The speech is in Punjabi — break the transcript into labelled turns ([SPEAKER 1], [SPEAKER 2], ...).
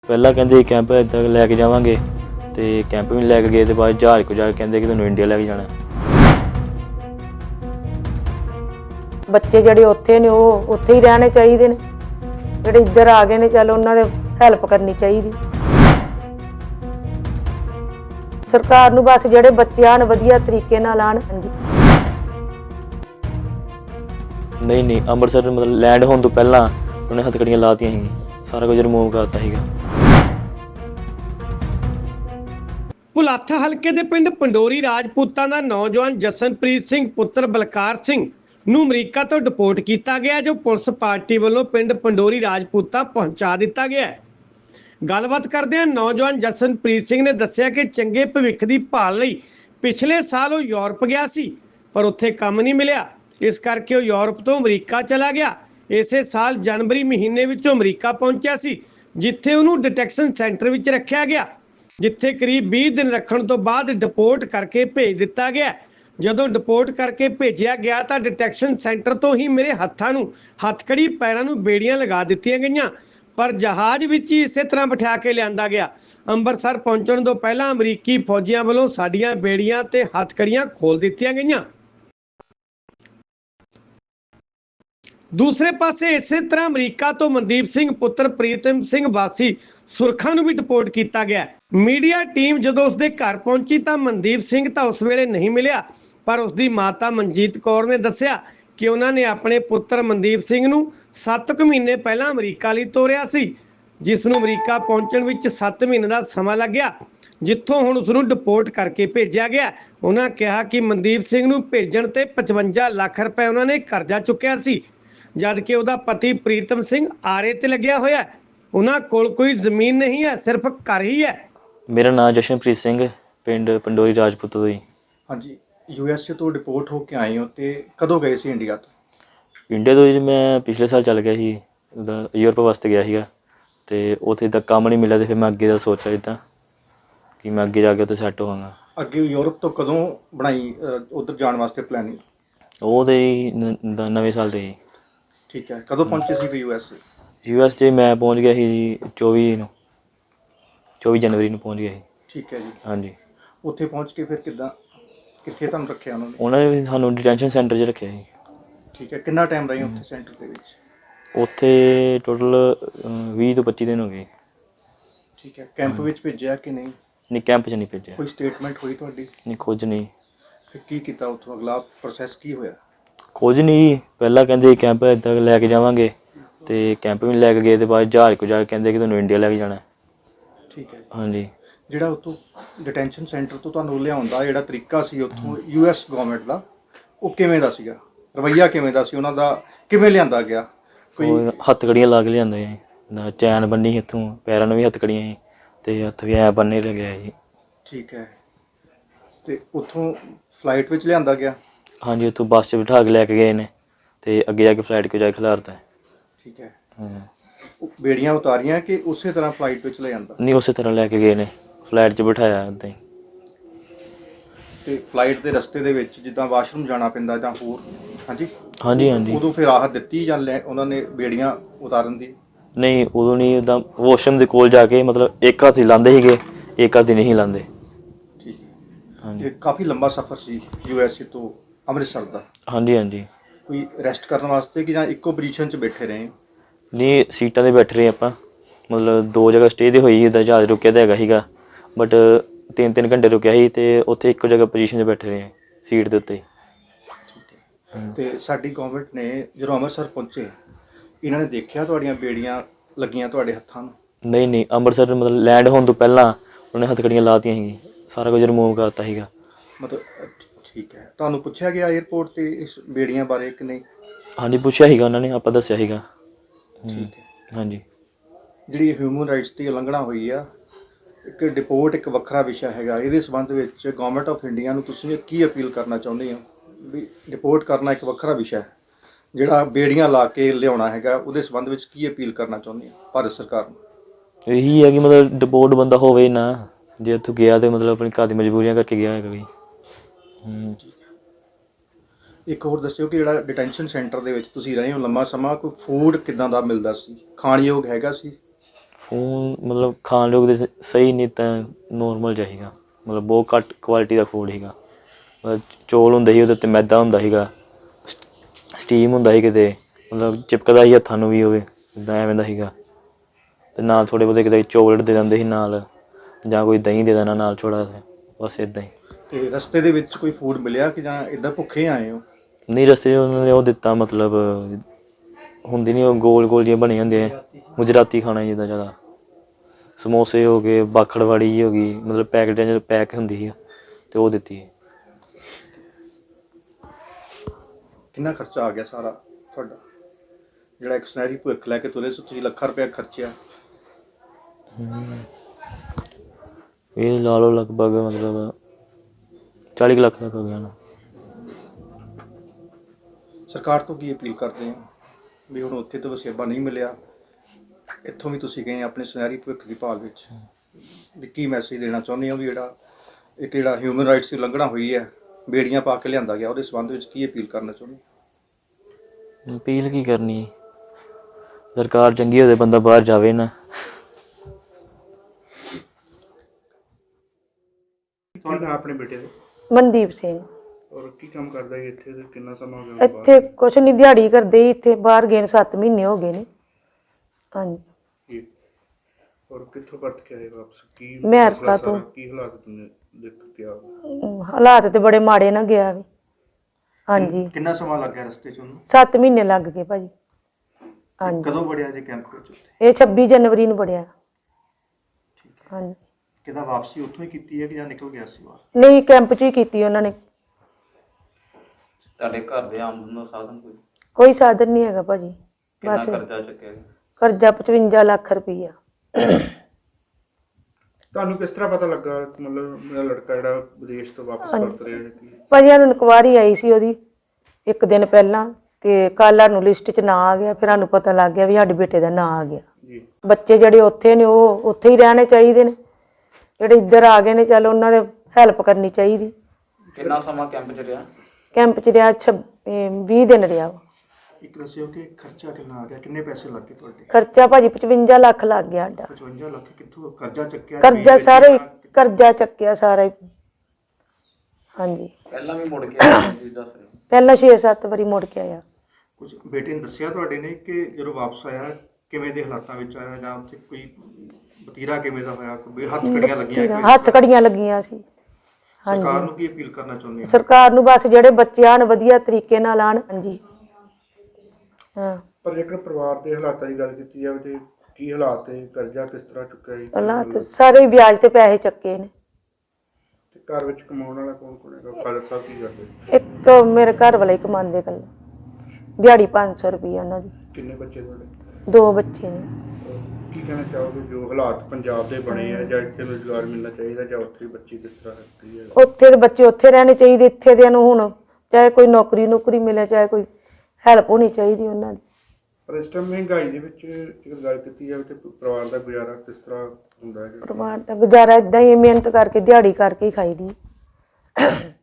[SPEAKER 1] ਪਹਿਲਾਂ ਕਹਿੰਦੇ ਕੈਂਪ ਇੱਦਾਂ ਲੈ ਕੇ ਜਾਵਾਂਗੇ ਤੇ ਕੈਂਪ ਵੀ ਲੈ ਕੇ ਗਏ ਤੇ ਬਾਅਦ ਜਹਾਜ਼ ਕੋ ਜਾ ਕੇ ਕਹਿੰਦੇ ਕਿ ਤੁਹਾਨੂੰ ਇੰਡੀਆ ਲੈ ਕੇ ਜਾਣਾ।
[SPEAKER 2] ਬੱਚੇ ਜਿਹੜੇ ਉੱਥੇ ਨੇ ਉਹ ਉੱਥੇ ਹੀ ਰਹਿਣੇ ਚਾਹੀਦੇ ਨੇ, ਜਿਹੜੇ ਇੱਧਰ ਆ ਗਏ ਨੇ ਚੱਲ ਉਹਨਾਂ ਦੇ ਹੈਲਪ ਕਰਨੀ ਚਾਹੀਦੀ। ਸਰਕਾਰ ਨੂੰ ਬਸ ਜਿਹੜੇ ਬੱਚੇ ਆਣ ਵਧੀਆ ਤਰੀਕੇ ਨਾਲ ਆਣ। ਹਾਂਜੀ
[SPEAKER 1] ਨਹੀਂ ਅੰਮ੍ਰਿਤਸਰ ਮਤਲਬ ਲੈਂਡ ਹੋਣ ਤੋਂ ਪਹਿਲਾਂ ਉਹਨੇ ਹੱਥਕੜੀਆਂ ਲਾਤੀਆਂ ਸੀ, ਸਾਰਾ ਕੁਝ ਰਿਮੂਵ ਕਰਤਾ ਸੀਗਾ।
[SPEAKER 3] ਭੁਲੱਥ ਹਲਕੇ ਦੇ ਪਿੰਡ ਪੰਡੋਰੀ ਰਾਜਪੂਤਾਂ ਦਾ ਨੌਜਵਾਨ ਜਸਨਪ੍ਰੀਤ ਸਿੰਘ ਪੁੱਤਰ ਬਲਕਾਰ ਸਿੰਘ ਨੂੰ ਅਮਰੀਕਾ ਤੋਂ ਡਿਪੋਰਟ ਕੀਤਾ ਗਿਆ, ਜੋ ਪੁਲਿਸ ਪਾਰਟੀ ਵੱਲੋਂ ਪਿੰਡ ਪੰਡੋਰੀ ਰਾਜਪੂਤਾਂ ਪਹੁੰਚਾ ਦਿੱਤਾ ਗਿਆ ਹੈ। ਗੱਲਬਾਤ ਕਰਦਿਆਂ ਨੌਜਵਾਨ ਜਸਨਪ੍ਰੀਤ ਸਿੰਘ ਨੇ ਦੱਸਿਆ ਕਿ ਚੰਗੇ ਭਵਿੱਖ ਦੀ ਭਾਲ ਲਈ ਪਿਛਲੇ ਸਾਲ ਉਹ ਯੂਰਪ ਗਿਆ ਸੀ, ਪਰ ਉੱਥੇ ਕੰਮ ਨਹੀਂ ਮਿਲਿਆ, ਇਸ ਕਰਕੇ ਉਹ ਯੂਰਪ ਤੋਂ ਅਮਰੀਕਾ ਚਲਾ ਗਿਆ। ਇਸੇ ਸਾਲ ਜਨਵਰੀ ਮਹੀਨੇ ਵਿੱਚ ਉਹ ਅਮਰੀਕਾ ਪਹੁੰਚਿਆ ਸੀ, ਜਿੱਥੇ ਉਹਨੂੰ ਡਿਟੈਕਸ਼ਨ ਸੈਂਟਰ ਵਿੱਚ ਰੱਖਿਆ ਗਿਆ, ਜਿੱਥੇ ਕਰੀਬ 20 ਦਿਨ ਰੱਖਣ ਤੋਂ ਬਾਅਦ ਡਿਪੋਰਟ ਕਰਕੇ ਭੇਜ ਦਿੱਤਾ ਗਿਆ। ਜਦੋਂ ਡਿਪੋਰਟ ਕਰਕੇ ਭੇਜਿਆ ਗਿਆ ਤਾਂ ਡਿਟੈਕਸ਼ਨ ਸੈਂਟਰ ਤੋਂ ਹੀ ਮੇਰੇ ਹੱਥਾਂ ਨੂੰ ਹੱਥਕੜੀ, ਪੈਰਾਂ ਨੂੰ ਬੇੜੀਆਂ ਲਗਾ ਦਿੱਤੀਆਂ ਗਈਆਂ, ਪਰ ਜਹਾਜ਼ ਵਿੱਚ ਹੀ ਇਸੇ ਤਰ੍ਹਾਂ ਬਿਠਾ ਕੇ ਲਿਆਂਦਾ ਗਿਆ। ਅੰਮ੍ਰਿਤਸਰ ਪਹੁੰਚਣ ਤੋਂ ਪਹਿਲਾਂ ਅਮਰੀਕੀ ਫੌਜੀਆਂ ਵੱਲੋਂ ਸਾਡੀਆਂ ਬੇੜੀਆਂ ਤੇ ਹੱਥਕੜੀਆਂ ਖੋਲ ਦਿੱਤੀਆਂ ਗਈਆਂ। ਦੂਸਰੇ ਪਾਸੇ ਇਸੇ ਤਰ੍ਹਾਂ ਅਮਰੀਕਾ ਤੋਂ ਮਨਦੀਪ ਸਿੰਘ ਪੁੱਤਰ ਪ੍ਰੀਤਮ ਸਿੰਘ ਵਾਸੀ ਸੁਰਖਾ ਨੂੰ ਵੀ ਡਿਪੋਰਟ ਕੀਤਾ ਗਿਆ। ਮੀਡੀਆ ਟੀਮ ਜਦੋਂ ਉਸਦੇ ਘਰ ਪਹੁੰਚੀ ਤਾਂ ਮਨਦੀਪ ਸਿੰਘ ਤਾਂ ਉਸ ਵੇਲੇ ਨਹੀਂ ਮਿਲਿਆ, ਪਰ ਉਸਦੀ ਮਾਤਾ ਮਨਜੀਤ ਕੌਰ ਨੇ ਦੱਸਿਆ ਕਿ ਉਹਨਾਂ ਨੇ ਆਪਣੇ ਪੁੱਤਰ ਮਨਦੀਪ ਸਿੰਘ ਨੂੰ 7 ਮਹੀਨੇ ਪਹਿਲਾਂ ਅਮਰੀਕਾ ਲਈ ਤੋਰਿਆ ਸੀ, ਜਿਸ ਨੂੰ ਅਮਰੀਕਾ ਪਹੁੰਚਣ ਵਿੱਚ 7 ਮਹੀਨੇ ਦਾ ਸਮਾਂ ਲੱਗਿਆ, ਜਿੱਥੋਂ ਹੁਣ ਉਸ ਨੂੰ ਡਿਪੋਰਟ ਕਰਕੇ ਭੇਜਿਆ ਗਿਆ। ਉਹਨਾਂ ਕਿਹਾ ਕਿ ਮਨਦੀਪ ਸਿੰਘ ਨੂੰ ਭੇਜਣ ਤੇ 55 ਲੱਖ ਰੁਪਏ ਉਹਨਾਂ ਨੇ ਕਰਜ਼ਾ ਚੁੱਕਿਆ ਸੀ, ਜਦ ਕਿ ਉਹਦਾ ਪਤੀ ਪ੍ਰੀਤਮ ਸਿੰਘ ਆਰੇ ਤੇ ਲੱਗਿਆ ਹੋਇਆ। ਉਹਨਾਂ ਕੋਲ ਕੋਈ ਜ਼ਮੀਨ ਨਹੀਂ ਹੈ, ਸਿਰਫ ਘਰ ਹੀ ਹੈ।
[SPEAKER 1] ਮੇਰਾ ਨਾਮ ਜਸ਼ਨਪ੍ਰੀਤ ਸਿੰਘ, ਪਿੰਡ ਪੰਡੋਰੀ ਰਾਜਪੂਤ ਤੋਂ ਜੀ।
[SPEAKER 4] ਹਾਂਜੀ, ਯੂਐਸਏ ਤੋਂ ਡਿਪੋਰਟ ਹੋ ਕੇ ਆਏ ਹੋ ਤੇ ਕਦੋਂ ਗਏ ਸੀ ਇੰਡੀਆ ਤੋਂ?
[SPEAKER 1] ਇੰਡੀਆ ਤੋਂ ਜੀ ਮੈਂ ਪਿਛਲੇ ਸਾਲ ਚੱਲ ਗਿਆ ਸੀ, ਉੱਦਾਂ ਯੂਰਪ ਵਾਸਤੇ ਗਿਆ ਸੀਗਾ ਤੇ ਉੱਥੇ ਤਾਂ ਕੰਮ ਨਹੀਂ ਮਿਲਿਆ ਤੇ ਫਿਰ ਮੈਂ ਅੱਗੇ ਦਾ ਸੋਚਿਆ ਇੱਦਾਂ ਕਿ ਮੈਂ ਅੱਗੇ ਜਾ ਕੇ ਉੱਥੇ ਸੈੱਟ ਹੋਵਾਂਗਾ।
[SPEAKER 4] ਅੱਗੇ ਯੂਰਪ ਤੋਂ ਕਦੋਂ ਬਣਾਈ ਉੱਧਰ ਜਾਣ ਵਾਸਤੇ ਪਲੈਨਿੰਗ?
[SPEAKER 1] ਉਹ ਤੇ ਜੀ ਨਵੇਂ ਸਾਲ ਤੇ ਜੀ।
[SPEAKER 4] ਠੀਕ ਹੈ, ਕਦੋਂ ਪਹੁੰਚੇ ਸੀ ਯੂਐਸਏ?
[SPEAKER 1] ਯੂਐਸ 'ਚ ਮੈਂ ਪਹੁੰਚ ਗਿਆ ਸੀ ਜੀ 24 ਜਨਵਰੀ ਨੂੰ ਪਹੁੰਚ ਗਿਆ ਸੀ।
[SPEAKER 4] ਠੀਕ ਹੈ ਜੀ।
[SPEAKER 1] ਹਾਂਜੀ,
[SPEAKER 4] ਉੱਥੇ ਪਹੁੰਚ ਕੇ ਫਿਰ ਕਿੱਥੇ ਤੁਹਾਨੂੰ ਰੱਖਿਆ ਉਹਨਾਂ ਨੇ?
[SPEAKER 1] ਉਹਨਾਂ ਨੇ ਸਾਨੂੰ ਡਿਟੈਂਸ਼ਨ ਸੈਂਟਰ 'ਚ ਰੱਖਿਆ ਸੀ।
[SPEAKER 4] ਠੀਕ ਹੈ, ਕਿੰਨਾ ਟਾਈਮ ਰਹੇ ਉੱਥੇ ਸੈਂਟਰ ਦੇ ਵਿੱਚ?
[SPEAKER 1] ਉੱਥੇ ਟੋਟਲ 20 ਤੋਂ 25 ਦਿਨ ਹੋ ਗਏ।
[SPEAKER 4] ਠੀਕ ਹੈ, ਕੈਂਪ ਵਿੱਚ ਭੇਜਿਆ ਕਿ ਨਹੀਂ?
[SPEAKER 1] ਨਹੀਂ, ਕੈਂਪ 'ਚ ਨਹੀਂ ਭੇਜਿਆ।
[SPEAKER 4] ਕੋਈ ਸਟੇਟਮੈਂਟ ਹੋਈ ਤੁਹਾਡੀ?
[SPEAKER 1] ਨਹੀਂ, ਕੁਝ ਨਹੀਂ।
[SPEAKER 4] ਫਿਰ ਕੀ ਕੀਤਾ ਉੱਥੋਂ, ਅਗਲਾ ਪ੍ਰੋਸੈਸ ਕੀ ਹੋਇਆ?
[SPEAKER 1] ਕੁਝ ਨਹੀਂ, ਪਹਿਲਾਂ ਕਹਿੰਦੇ ਕੈਂਪ ਇੱਦਾਂ ਲੈ ਕੇ ਜਾਵਾਂਗੇ ਤੇ ਕੈਂਪ ਵੀ ਲੈ ਕੇ ਗਏ ਤੇ ਬਾਅਦ ਜਹਾਜ਼ ਕੋ ਜਾ ਕੇ ਕਹਿੰਦੇ ਕਿ ਤੁਹਾਨੂੰ ਇੰਡੀਆ ਲੈ ਕੇ ਜਾਣਾ।
[SPEAKER 4] ਠੀਕ ਹੈ ਜੀ।
[SPEAKER 1] ਹਾਂਜੀ,
[SPEAKER 4] ਜਿਹੜਾ ਉੱਥੋਂ ਡਿਟੈਂਸ਼ਨ ਸੈਂਟਰ ਤੋਂ ਤੁਹਾਨੂੰ ਲਿਆਉਣ ਦਾ ਜਿਹੜਾ ਤਰੀਕਾ ਸੀ ਉੱਥੋਂ ਯੂਐਸ ਗਵਰਨਮੈਂਟ ਦਾ, ਉਹ ਕਿਵੇਂ ਦਾ ਸੀਗਾ? ਰਵੱਈਆ ਕਿਵੇਂ ਦਾ ਸੀ ਉਹਨਾਂ ਦਾ? ਕਿਵੇਂ ਲਿਆਂਦਾ ਗਿਆ?
[SPEAKER 1] ਉਹ ਹੱਥਕੜੀਆਂ ਲਾ ਕੇ ਲਿਆਂਦੇ ਸੀ, ਚੈਨ ਬੰਨੀ ਇੱਥੋਂ, ਪੈਰਾਂ ਨੂੰ ਵੀ ਹੱਥਕੜੀਆਂ ਸੀ ਤੇ ਹੱਥ ਵੀ ਐ ਬੰਨੇ ਲੱਗਿਆ ਜੀ।
[SPEAKER 4] ਠੀਕ ਹੈ, ਤੇ ਉੱਥੋਂ ਫਲਾਈਟ ਵਿੱਚ ਲਿਆਂਦਾ ਗਿਆ?
[SPEAKER 1] ਹਾਂਜੀ, ਉੱਥੋਂ ਬੱਸ 'ਚ ਬਿਠਾ ਕੇ ਲੈ ਕੇ ਗਏ ਨੇ ਤੇ ਅੱਗੇ ਜਾ ਕੇ ਫਲਾਈਟ 'ਤੇ ਜਾ ਕੇ ਖਿਲਾਰਤਾ।
[SPEAKER 4] ਠੀਕ ਹੈ,
[SPEAKER 1] ਹਾਂ,
[SPEAKER 4] ਬੇੜੀਆਂ ਉਤਾਰੀਆਂ ਕਿ ਉਸੇ ਤਰ੍ਹਾਂ ਫਲਾਈਟ ਵਿੱਚ ਲੈ ਜਾਂਦਾ?
[SPEAKER 1] ਨਹੀਂ, ਉਸੇ ਤਰ੍ਹਾਂ ਲੈ ਕੇ ਗਏ ਨੇ, ਫਲਾਈਟ 'ਚ ਬਿਠਾਇਆ ਉੱਦਾਂ ਹੀ।
[SPEAKER 4] ਤੇ ਫਲਾਈਟ ਦੇ ਰਸਤੇ ਦੇ ਵਿੱਚ ਜਿੱਦਾਂ ਵਾਸ਼ਰੂਮ ਜਾਣਾ ਪੈਂਦਾ ਜਾਂ ਹੋਰ? ਹਾਂਜੀ
[SPEAKER 1] ਹਾਂਜੀ।
[SPEAKER 4] ਉਦੋਂ ਫਿਰ ਰਾਹਤ ਦਿੱਤੀ ਜਾਂ ਉਹਨਾਂ ਨੇ ਬੇੜੀਆਂ ਉਤਾਰਨ ਦੀ?
[SPEAKER 1] ਨਹੀਂ, ਉਦੋਂ ਨਹੀਂ, ਉੱਦਾਂ ਵਾਸ਼ਰੂਮ ਦੇ ਕੋਲ ਜਾ ਕੇ ਮਤਲਬ ਇੱਕ ਹੱਥ ਹੀ ਲਾਉਂਦੇ ਸੀਗੇ, ਇੱਕ ਹੱਥ ਹੀ ਨਹੀਂ ਲਾਉਂਦੇ।
[SPEAKER 4] ਠੀਕ ਹੈ।
[SPEAKER 1] ਹਾਂਜੀ
[SPEAKER 4] ਇਹ ਕਾਫੀ ਲੰਬਾ ਸਫ਼ਰ ਸੀ ਯੂਐਸਏ ਤੋਂ ਅੰਮ੍ਰਿਤਸਰ ਦਾ।
[SPEAKER 1] ਹਾਂਜੀ।
[SPEAKER 4] ਕੋਈ ਰੈਸਟ ਕਰਨ ਵਾਸਤੇ ਕਿ ਜਾਂ ਇੱਕੋ ਪੋਜੀਸ਼ਨ 'ਚ ਬੈਠੇ ਰਹੇ?
[SPEAKER 1] ਨਹੀਂ, ਸੀਟਾਂ 'ਤੇ ਬੈਠ ਰਹੇ ਆਪਾਂ, ਮਤਲਬ 2 ਜਗ੍ਹਾ ਸਟੇ 'ਤੇ ਹੋਈ ਸੀ, ਉੱਦਾਂ ਜਹਾਜ਼ ਰੁਕਿਆ ਤਾਂ ਹੈਗਾ ਸੀਗਾ, ਬਟ 3 ਘੰਟੇ ਰੁਕਿਆ ਸੀ ਤੇ ਉੱਥੇ ਇੱਕੋ ਜਗ੍ਹਾ ਪੋਜੀਸ਼ਨ 'ਤੇ ਬੈਠੇ ਰਹੇ ਸੀਟ ਦੇ ਉੱਤੇ।
[SPEAKER 4] ਤੇ ਸਾਡੀ ਗਵਰਨਮੈਂਟ ਨੇ ਜਦੋਂ ਅੰਮ੍ਰਿਤਸਰ ਪਹੁੰਚੇ, ਇਹਨਾਂ ਨੇ ਦੇਖਿਆ ਤੁਹਾਡੀਆਂ ਬੇੜੀਆਂ ਲੱਗੀਆਂ ਤੁਹਾਡੇ ਹੱਥਾਂ ਨੂੰ?
[SPEAKER 1] ਨਹੀਂ ਅੰਮ੍ਰਿਤਸਰ ਮਤਲਬ ਲੈਂਡ ਹੋਣ ਤੋਂ ਪਹਿਲਾਂ ਉਹਨੇ ਹੱਥਕੜੀਆਂ ਲਾਤੀਆਂ ਸੀ, ਸਾਰਾ ਕੁਝ ਰਿਮੂਵ ਕਰਤਾ ਸੀਗਾ।
[SPEAKER 4] ਮਤਲਬ ਠੀਕ ਹੈ, ਤੁਹਾਨੂੰ ਪੁੱਛਿਆ ਗਿਆ 에ਅਰਪੋਰਟ ਤੇ ਇਸ ਬੇੜੀਆਂ ਬਾਰੇ ਕਿ ਨਹੀਂ?
[SPEAKER 1] ਹਾਂਜੀ, ਪੁੱਛਿਆ ਸੀਗਾ ਉਹਨਾਂ ਨੇ, ਆਪਾਂ ਦੱਸਿਆ ਸੀਗਾ।
[SPEAKER 4] ਠੀਕ ਹੈ।
[SPEAKER 1] ਹਾਂਜੀ,
[SPEAKER 4] ਜਿਹੜੀ ਹਿਊਮਨ ਰਾਈਟਸ ਦੀ ਉਲੰਘਣਾ ਹੋਈ ਆ, ਇੱਕ ਡਿਪੋਰਟ ਇੱਕ ਵੱਖਰਾ ਵਿਸ਼ਾ ਹੈਗਾ, ਇਹਦੇ ਸੰਬੰਧ ਵਿੱਚ ਗਵਰਨਮੈਂਟ ਆਫ ਇੰਡੀਆ ਨੂੰ ਤੁਸੀਂ ਕੀ ਅਪੀਲ ਕਰਨਾ ਚਾਹੁੰਦੇ ਹੋ? ਵੀ ਡਿਪੋਰਟ ਕਰਨਾ ਇੱਕ ਵੱਖਰਾ ਵਿਸ਼ਾ ਹੈ, ਜਿਹੜਾ ਬੇੜੀਆਂ ਲਾ ਕੇ ਲਿਆਉਣਾ ਹੈਗਾ, ਉਹਦੇ ਸੰਬੰਧ ਵਿੱਚ ਕੀ ਅਪੀਲ ਕਰਨਾ ਚਾਹੁੰਦੇ ਹੋ ਭਾਰਤ ਸਰਕਾਰ ਨੂੰ?
[SPEAKER 1] ਇਹੀ ਹੈ ਕਿ ਮਤਲਬ ਡਿਪੋਰਟ ਬੰਦਾ ਹੋਵੇ ਨਾ, ਜੇ ਉੱਥੋਂ ਗਿਆ ਤੇ ਮਤਲਬ ਆਪਣੀ ਘਰ ਦੀ ਮਜਬੂਰੀਆਂ ਕਰਕੇ ਗਿਆ ਹੈਗਾ ਵੀ।
[SPEAKER 4] ਇੱਕ ਹੋਰ ਦੱਸਿਓ ਕਿ ਜਿਹੜਾ ਡਿਟੈਂਸ਼ਨ ਸੈਂਟਰ ਦੇ ਵਿੱਚ ਤੁਸੀਂ ਰਹੇ ਹੋ ਲੰਮਾ ਸਮਾਂ, ਕੋਈ ਫੂਡ ਕਿੱਦਾਂ ਦਾ ਮਿਲਦਾ ਸੀ? ਖਾਣਯੋਗ ਹੈਗਾ ਸੀ?
[SPEAKER 1] ਫੋਨ ਮਤਲਬ ਖਾਣ ਯੋਗ ਦੇ ਸਹੀ ਨਹੀਂ ਤਾਂ ਨੋਰਮਲ ਚਾਹੀਦਾ, ਮਤਲਬ ਬਹੁਤ ਘੱਟ ਕੁਆਲਿਟੀ ਦਾ ਫੂਡ ਸੀਗਾ। ਮਤਲਬ ਚੌਲ ਹੁੰਦੇ ਸੀ ਉਹਦੇ ਉੱਤੇ ਮੈਦਾ ਹੁੰਦਾ ਸੀਗਾ, ਸਟੀਮ ਹੁੰਦਾ ਸੀ ਕਿਤੇ, ਮਤਲਬ ਚਿਪਕਦਾ ਸੀ ਹੱਥਾਂ ਨੂੰ ਵੀ ਹੋਵੇ ਇੱਦਾਂ ਐਵੇਂ ਦਾ ਸੀਗਾ। ਅਤੇ ਨਾਲ ਥੋੜ੍ਹੇ ਬਹੁਤੇ ਕਿਤੇ ਚੋਕਲੇਟ ਦੇ ਦਿੰਦੇ ਸੀ ਨਾਲ, ਜਾਂ ਕੋਈ ਦਹੀਂ ਦੇ ਦੇਣਾ ਨਾਲ ਥੋੜ੍ਹਾ ਜਿਹਾ, ਬਸ ਇੱਦਾਂ ਹੀ।
[SPEAKER 4] ਤੇ ਰਸਤੇ ਦੇ ਵਿੱਚ ਕੋਈ ਫੂਡ ਮਿਲਿਆ ਕਿ ਜਾਂ ਇਦਾਂ ਭੁੱਖੇ ਆਏ ਹੋ?
[SPEAKER 1] ਨਹੀਂ, ਰਸਤੇ 'ਚ ਉਹਨਾਂ ਨੇ ਉਹ ਦਿੱਤਾ, ਮਤਲਬ ਹੁੰਦੀ ਨਹੀਂ ਉਹ ਗੋਲ ਗੋਲ ਜਿਹੀਆਂ ਬਣੀਆਂ ਹੁੰਦੀਆਂ ਗੁਜਰਾਤੀ ਖਾਣਾ ਜਿੱਦਾਂ ਜ਼ਿਆਦਾ, ਸਮੋਸੇ ਹੋ ਗਏ, ਬਾਖੜਵਾੜੀ ਜਿਹੀ ਹੋ ਗਈ, ਮਤਲਬ ਪੈਕਟਾਂ 'ਚ ਪੈਕ ਹੁੰਦੀ ਸੀ ਅਤੇ ਉਹ ਦਿੱਤੀ।
[SPEAKER 4] ਕਿੰਨਾ ਖਰਚਾ ਆ ਗਿਆ ਸਾਰਾ ਤੁਹਾਡਾ, ਜਿਹੜਾ ਇੱਕ ਸੁਨਹਿਰੀ ਭੁੱਖ ਲੈ ਕੇ ਤੁਰੇ ਸੀ ਤੁਸੀਂ ਲੱਖਾਂ ਰੁਪਇਆ ਖਰਚਿਆ?
[SPEAKER 1] ਇਹ ਲਾ ਲਓ ਲਗਭਗ ਮਤਲਬ 40 ਕੁ ਲੱਖ ਤੱਕ ਹੋ ਗਿਆ ਨਾ।
[SPEAKER 4] ਸਰਕਾਰ ਤੋਂ ਕੀ ਅਪੀਲ ਕਰਦੇ ਹੋ ਵੀ ਹੁਣ ਉੱਥੇ ਤੋਂ ਵਸੇਬਾ ਨਹੀਂ ਮਿਲਿਆ, ਇੱਥੋਂ ਵੀ ਤੁਸੀਂ ਗਏ ਆਪਣੇ ਸੁਨਹਿਰੀ ਭਵਿੱਖ ਦੀ ਭਾਲ ਵਿੱਚ, ਵੀ ਕੀ ਮੈਸੇਜ ਦੇਣਾ ਚਾਹੁੰਦੇ ਹੋ ਵੀ ਜਿਹੜਾ ਹਿਊਮਨ ਰਾਈਟਸ ਦੀ ਉਲੰਘਣਾ ਹੋਈ ਹੈ, ਬੇੜੀਆਂ ਪਾ ਕੇ ਲਿਆਂਦਾ ਗਿਆ, ਉਹਦੇ ਸੰਬੰਧ ਵਿੱਚ ਕੀ ਅਪੀਲ ਕਰਨਾ ਚਾਹੁੰਦੇ ਹੋ?
[SPEAKER 1] ਅਪੀਲ ਕੀ ਕਰਨੀ, ਸਰਕਾਰ ਚੰਗੀ ਹੋਵੇ ਬੰਦਾ ਬਾਹਰ ਜਾਵੇ ਨਾ।
[SPEAKER 5] ਤੁਹਾਡਾ ਆਪਣੇ ਬੇਟੇ ਦੇ
[SPEAKER 2] ਮਨਦੀਪ ਸਿੰਘ।
[SPEAKER 5] ਔਰ ਕੀ ਕੰਮ ਕਰਦਾ ਹੈ ਇੱਥੇ ਤੇ ਕਿੰਨਾ ਸਮਾਂ ਹੋ ਗਿਆ
[SPEAKER 2] ਇੱਥੇ ਕੁਛ ਨਹੀਂ, ਦਿਹਾੜੀ ਕਰਦੇ ਹੀ, ਇੱਥੇ ਬਾਹਰ ਗਏ ਨੂੰ 7 ਮਹੀਨੇ ਹੋ ਗਏ ਨੇ। ਹਾਂਜੀ।
[SPEAKER 5] ਜੀ। ਔਰ ਕਿੱਥੋਂ ਪਰਤ ਕੇ ਆਏ ਵਾਪਸ? ਕੀ
[SPEAKER 2] ਮੈਂ
[SPEAKER 5] ਮਸਲਾ
[SPEAKER 2] ਅਰਕਾ ਤੋਂ।
[SPEAKER 5] ਸਾਰਾ, ਕੀ ਹਾਲਾਤ ਤੁਮਨੇ ਦੇਖ ਕੇ ਆ?
[SPEAKER 2] ਹਾਲਾਤ ਤੇ ਬੜੇ ਮਾੜੇ ਨਾ ਗਿਆ ਵੀ। ਹਾਂਜੀ।
[SPEAKER 4] ਕਿੰਨਾ ਸਮਾਂ ਲੱਗ ਗਿਆ ਰਸਤੇ 'ਚ ਉਹਨੂੰ?
[SPEAKER 2] 7 ਮਹੀਨੇ ਲੱਗ ਗਏ ਭਾਜੀ। ਹਾਂਜੀ।
[SPEAKER 4] ਕਦੋਂ ਵੜਿਆ ਜੇ ਕੈਂਪ ਵਿੱਚ ਉੱਥੇ?
[SPEAKER 2] ਇਹ 26 ਜਨਵਰੀ ਨੂੰ ਬੜਿਆ। ਹਾਂਜੀ।
[SPEAKER 4] ਕਿਦਾ ਵਾਪਸੀ ਉੱਥੋਂ ਹੀ ਕੀਤੀ ਹੈ ਕਿ ਜਾਂ ਨਿਕਲ ਗਿਆ ਸੀ ਬਾਹਰ?
[SPEAKER 2] ਨਹੀਂ, ਕੈਂਪ 'ਚ ਹੀ ਕੀਤੀ ਉਹਨਾਂ ਨੇ।
[SPEAKER 6] ਤੁਹਾਡੇ ਘਰ ਦੇ ਆਮਦਨ ਦਾ ਸਾਧਨ
[SPEAKER 2] ਕੋਈ ਸਾਧਨ ਨਹੀਂ ਹੈਗਾ ਭਾਜੀ,
[SPEAKER 6] ਕਿੰਨਾ
[SPEAKER 2] ਬਸ
[SPEAKER 6] ਕਰਜ਼ਾ ਚੁੱਕਿਆ ਗਿਆ?
[SPEAKER 2] ਕਰਜ਼ਾ 55 ਲੱਖ ਰੁਪਈਆ।
[SPEAKER 5] ਤੁਹਾਨੂੰ ਕਿਸ ਤਰ੍ਹਾਂ ਪਤਾ ਲੱਗਾ ਮਤਲਬ ਮੇਰਾ ਲੜਕਾ ਜਿਹੜਾ ਵਿਦੇਸ਼ ਤੋਂ ਵਾਪਸ ਪਰਤ ਰਿਹਾ ਹੈ? ਕੀ
[SPEAKER 2] ਭਾਜੀ ਸਾਨੂੰ ਇਨਕੁਆਰੀ ਆਈ ਸੀ ਉਹਦੀ ਇੱਕ ਦਿਨ ਪਹਿਲਾਂ, ਤੇ ਕੱਲ੍ਹ ਸਾਨੂੰ ਲਿਸਟ 'ਚ ਨਾਂ ਆ ਗਿਆ, ਫਿਰ ਸਾਨੂੰ ਪਤਾ ਲੱਗ ਗਿਆ ਵੀ ਸਾਡੇ ਬੇਟੇ ਦਾ ਨਾਂ ਆ ਗਿਆ।
[SPEAKER 5] ਜੀ।
[SPEAKER 2] ਬੱਚੇ ਜਿਹੜੇ ਉੱਥੇ ਨੇ ਉਹ ਉੱਥੇ ਹੀ ਰਹਿਣੇ ਚਾਹੀਦੇ ਨੇ, ਜਿਹੜੇ ਇੱਧਰ ਆ ਗਏ ਨੇ ਚੱਲ ਉਹਨਾਂ ਦੇ ਹੈਲਪ ਕਰਨੀ ਚਾਹੀਦੀ।
[SPEAKER 6] ਕਿੰਨਾ ਸਮਾਂ ਕੈਂਪ 'ਚ ਰਿਹਾ?
[SPEAKER 2] ਕੈਂਪ 'ਚ ਰਿਹਾ 20 ਦਿਨ ਰਿਹਾ ਵਾ।
[SPEAKER 4] ਇੱਕ ਦੱਸਿਓ ਕਿ ਖਰਚਾ ਕਿੰਨਾ ਆ ਗਿਆ, ਕਿੰਨੇ ਪੈਸੇ ਲੱਗੇ ਤੁਹਾਡੇ?
[SPEAKER 2] ਖਰਚਾ ਭਾਜੀ 55 ਲੱਖ ਲੱਗ ਗਿਆ ਸਾਡਾ।
[SPEAKER 4] 55 ਲੱਖ ਕਿੱਥੋਂ ਕਰਜ਼ਾ ਚੱਕਿਆ?
[SPEAKER 2] ਕਰਜ਼ਾ ਸਾਰੇ ਕਰਜ਼ਾ ਚੱਕਿਆ ਸਾਰਾ ਹੀ। ਹਾਂਜੀ।
[SPEAKER 6] ਪਹਿਲਾਂ ਵੀ ਮੁੜ ਕੇ ਆਇਆ ਜੀ ਦੱਸ ਰਹੇ ਹੋ?
[SPEAKER 2] ਪਹਿਲਾਂ 6-7 ਵਾਰੀ ਮੁੜ ਕੇ ਆਇਆ।
[SPEAKER 4] ਕੁਝ ਬੇਟੇ ਨੇ ਦੱਸਿਆ ਤੁਹਾਡੇ ਨੇ ਕਿ ਜਦੋਂ ਵਾਪਸ ਆਇਆ ਕਿਵੇਂ ਦੇ ਹਾਲਾਤਾਂ ਵਿੱਚ ਆਇਆ, ਜਾਂ ਉੱਥੇ ਕੋਈ ਵਤੀਰਾ ਕਿਵੇਂ ਦਾ ਹੋਇਆ, ਕੋਈ ਹੱਥ ਕੜੀਆਂ ਲੱਗੀਆਂ ਕੋਈ?
[SPEAKER 2] ਹੱਥ ਕੜੀਆਂ ਲੱਗੀਆਂ ਸੀ।
[SPEAKER 4] ਸਰਕਾਰ ਨੂੰ ਕੀ ਅਪੀਲ ਕਰਨਾ ਚਾਹੁੰਦੇ ਹੋ?
[SPEAKER 2] ਸਰਕਾਰ ਨੂੰ ਬਸ ਜਿਹੜੇ ਬੱਚੇ ਆਣ ਵਧੀਆ ਤਰੀਕੇ ਨਾਲ ਆਣ। ਹਾਂਜੀ। ਹਾਂ।
[SPEAKER 5] ਪਰ ਜੇਕਰ ਪਰਿਵਾਰ ਦੇ ਹਾਲਾਤਾਂ ਦੀ ਗੱਲ ਕੀਤੀ ਜਾਵੇ ਤੇ ਕੀ ਹਾਲਾਤ ਹੈ? ਕਰਜ਼ਾ ਕਿਸ ਤਰ੍ਹਾਂ ਚੁੱਕਿਆ ਜੀ?
[SPEAKER 2] ਹਾਲਾਤ ਸਾਰੇ ਹੀ ਵਿਆਜ ਤੇ ਪੈਸੇ ਚੱਕੇ ਨੇ।
[SPEAKER 5] ਤੇ ਘਰ ਵਿੱਚ ਕਮਾਉਣ ਵਾਲਾ ਕੌਣ ਕੌਣ ਹੈਗਾ? ਫਾਦਰ ਸਾਹਿਬ ਕੀ ਕਰਦੇ?
[SPEAKER 2] ਇੱਕ ਮੇਰੇ ਘਰ ਵਾਲੇ ਕਮਾਉਂਦੇ ਕੱਲ, ਦਿਹਾੜੀ 500 ਰੁਪਈਆ ਉਹਨਾਂ ਦੀ।
[SPEAKER 5] ਕਿੰਨੇ ਬੱਚੇ ਤੁਹਾਡੇ?
[SPEAKER 2] 2 ਬੱਚੇ ਨੇ।
[SPEAKER 5] ਔਰ ਕੀ ਕਹਿਣਾ ਚਾਹੋਗੇ ਜੋ ਹਾਲਾਤ ਪੰਜਾਬ ਦੇ ਬਣੇ ਆ, ਜਾਂ ਇੱਥੇ ਰੁਜ਼ਗਾਰ ਮਿਲਣਾ ਚਾਹੀਦਾ, ਜਾਂ ਉੱਥੇ ਬੱਚੀ ਕਿਸ ਤਰ੍ਹਾਂ ਰੱਖਦੀ ਹੈ?
[SPEAKER 2] ਉੱਥੇ ਦੇ ਬੱਚੇ ਉੱਥੇ ਰਹਿਣੇ ਚਾਹੀਦੇ, ਇੱਥੇ ਦੇ ਨੂੰ ਹੁਣ ਚਾਹੇ ਕੋਈ ਨੌਕਰੀ ਮਿਲੇ, ਚਾਹੇ ਕੋਈ ਹੈਲਪ ਹੋਣੀ ਚਾਹੀਦੀ ਉਹਨਾਂ ਦੀ।
[SPEAKER 5] ਪਰ ਇਸ ਟਾਈਮ ਮਹਿੰਗਾਈ ਦੇ ਵਿੱਚ ਜੇਕਰ ਗੱਲ ਕੀਤੀ ਜਾਵੇ ਤੇ ਪਰਿਵਾਰ ਦਾ ਗੁਜ਼ਾਰਾ ਕਿਸ ਤਰ੍ਹਾਂ ਹੁੰਦਾ ਹੈ?
[SPEAKER 2] ਪਰਿਵਾਰ ਦਾ ਗੁਜ਼ਾਰਾ ਇਦਾਂ ਹੀ ਮਿਹਨਤ ਕਰਕੇ ਦਿਹਾੜੀ ਕਰਕੇ ਹੀ ਖਾਈਦੀ।